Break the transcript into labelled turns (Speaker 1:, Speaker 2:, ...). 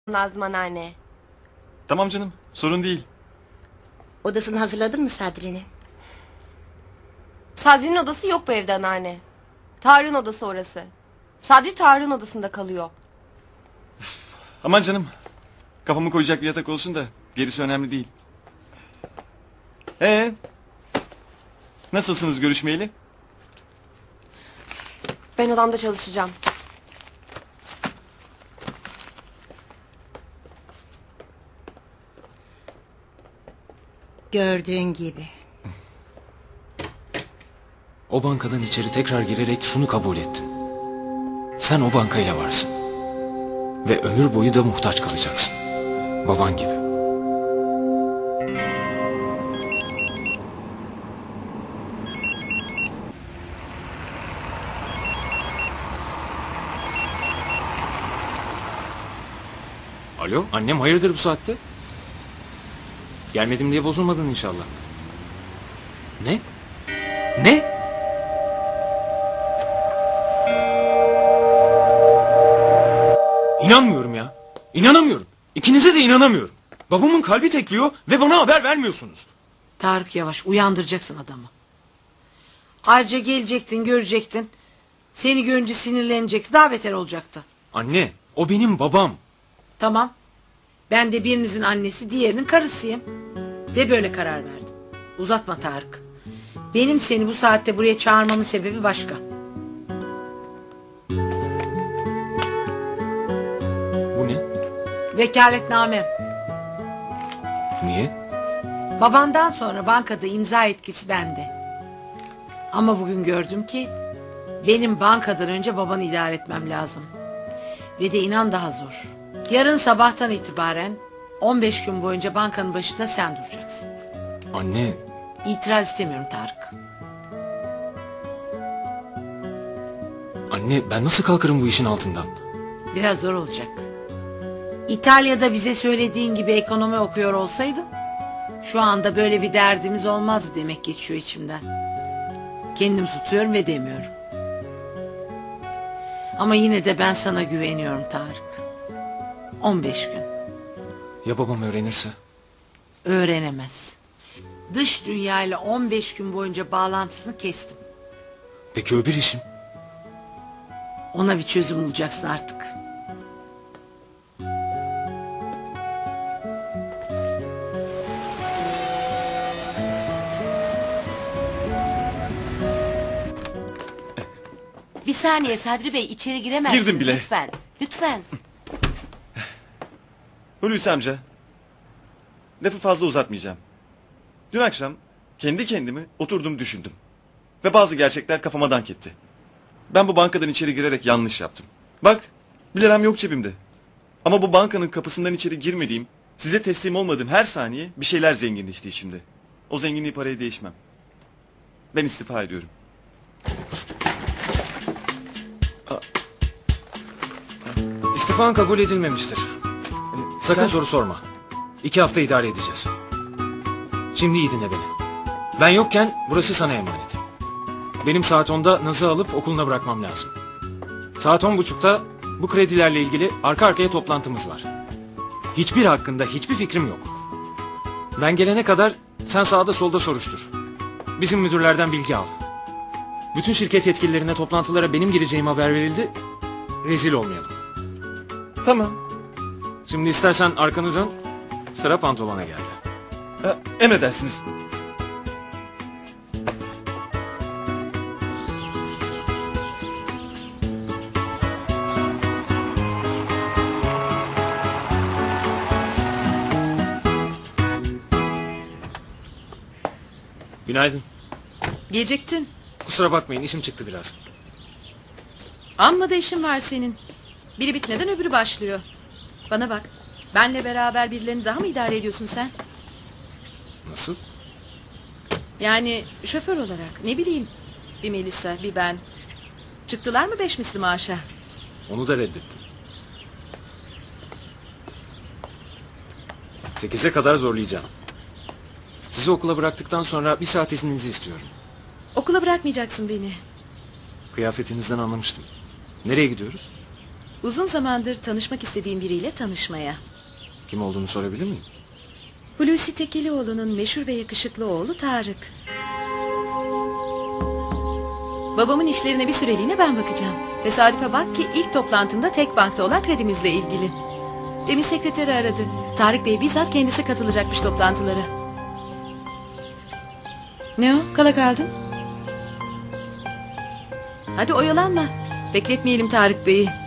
Speaker 1: Nazım anneanne.
Speaker 2: Tamam canım, sorun değil.
Speaker 3: Odasını hazırladın mı Sadri'nin?
Speaker 1: Sadri'nin odası yok bu evde anneanne. Tarık'ın odası orası. Sadri Tarık'ın odasında kalıyor.
Speaker 2: Aman canım, kafamı koyacak bir yatak olsun da gerisi önemli değil. Nasılsınız görüşmeyeli?
Speaker 1: Ben odamda çalışacağım.
Speaker 3: Gördüğün gibi.
Speaker 4: O bankadan içeri tekrar girerek şunu kabul ettin. Sen o bankayla varsın. Ve ömür boyu da muhtaç kalacaksın. Baban gibi. Alo, annem hayırdır bu saatte? Gelmedim diye bozulmadın inşallah. Ne? Ne? İnanmıyorum ya. İnanamıyorum. İkinize de inanamıyorum. Babamın kalbi tekliyor ve bana haber vermiyorsunuz.
Speaker 5: Tarık yavaş, uyandıracaksın adamı. Ayrıca gelecektin, görecektin. Seni görünce sinirlenecekti, daha beter olacaktı.
Speaker 4: Anne, o benim babam.
Speaker 5: Tamam. Ben de birinizin annesi, diğerinin karısıyım. Ve böyle karar verdim. Uzatma Tarık. Benim seni bu saatte buraya çağırmamın sebebi başka.
Speaker 4: Bu ne?
Speaker 5: Vekaletnamem.
Speaker 4: Niye?
Speaker 5: Babandan sonra bankada imza etkisi bende. Ama bugün gördüm ki benim bankadan önce babanı idare etmem lazım. Ve de inan daha zor. Yarın sabahtan itibaren 15 gün boyunca bankanın başında sen duracaksın.
Speaker 4: Anne.
Speaker 5: İtiraz istemiyorum Tarık.
Speaker 4: Anne, ben nasıl kalkarım bu işin altından?
Speaker 5: Biraz zor olacak. İtalya'da bize söylediğin gibi ekonomi okuyor olsaydın şu anda böyle bir derdimiz olmazdı demek geçiyor içimden. Kendim tutuyorum ve demiyorum. Ama yine de ben sana güveniyorum Tarık. 15 gün.
Speaker 4: Ya babam öğrenirse?
Speaker 5: Öğrenemez. Dış dünyayla 15 gün boyunca bağlantısını kestim.
Speaker 4: Peki öbür işim?
Speaker 5: Ona bir çözüm bulacaksın artık.
Speaker 3: Bir saniye Sadri Bey, içeri giremezsiniz.
Speaker 2: Girdim bile.
Speaker 3: Lütfen. Lütfen.
Speaker 2: Hulusi amca, lafı fazla uzatmayacağım. Dün akşam kendi kendimi oturdum düşündüm. Ve bazı gerçekler kafama dank etti. Ben bu bankadan içeri girerek yanlış yaptım. Bak, 1 liram yok cebimde. Ama bu bankanın kapısından içeri girmediğim, size teslim olmadığım her saniye bir şeyler zenginleşti içimde. O zenginliği paraya değişmem. Ben istifa ediyorum.
Speaker 4: İstifan kabul edilmemiştir. Sakın
Speaker 2: Sen-
Speaker 4: soru sorma. 2 hafta idare edeceğiz. Şimdi iyi dinle beni. Ben yokken burası sana emanet. Benim saat 10'da Naz'ı alıp okuluna bırakmam lazım. Saat 10.30'da bu kredilerle ilgili arka arkaya toplantımız var. Hiçbir hakkında hiçbir fikrim yok. Ben gelene kadar sen sağda solda soruştur. Bizim müdürlerden bilgi al. Bütün şirket yetkililerine toplantılara benim gireceğim haber verildi. Rezil olmayalım.
Speaker 2: Tamam.
Speaker 4: Şimdi istersen arkanı dön. Sıra pantolona geldi.
Speaker 2: Emredersiniz.
Speaker 4: Günaydın.
Speaker 6: Geciktin.
Speaker 4: Kusura bakmayın, işim çıktı biraz.
Speaker 6: Amma da işin var senin. Biri bitmeden öbürü başlıyor. Bana bak. Benle beraber birilerini daha mı idare ediyorsun sen?
Speaker 4: Nasıl?
Speaker 6: Yani şoför olarak, ne bileyim. Bir Melisa, bir ben. Çıktılar mı 5 misli maaşa?
Speaker 4: Onu da reddettim. 8'e kadar zorlayacağım. Sizi okula bıraktıktan sonra 1 saat izninizi istiyorum.
Speaker 6: Okula bırakmayacaksın beni.
Speaker 4: Kıyafetinizden anlamıştım. Nereye gidiyoruz?
Speaker 6: Uzun zamandır tanışmak istediğim biriyle tanışmaya.
Speaker 4: Kim olduğunu sorabilir miyim?
Speaker 6: Hulusi Tekilioğlu'nun meşhur ve yakışıklı oğlu Tarık. Babamın işlerine bir süreliğine ben bakacağım. Tesadüfe bak ki ilk toplantımda tek bankta olan kredimizle ilgili. Demin sekreteri aradı. Tarık Bey bizzat kendisi katılacakmış toplantılara. Ne o? Kala kaldın? Hadi oyalanma. Bekletmeyelim Tarık Bey'i.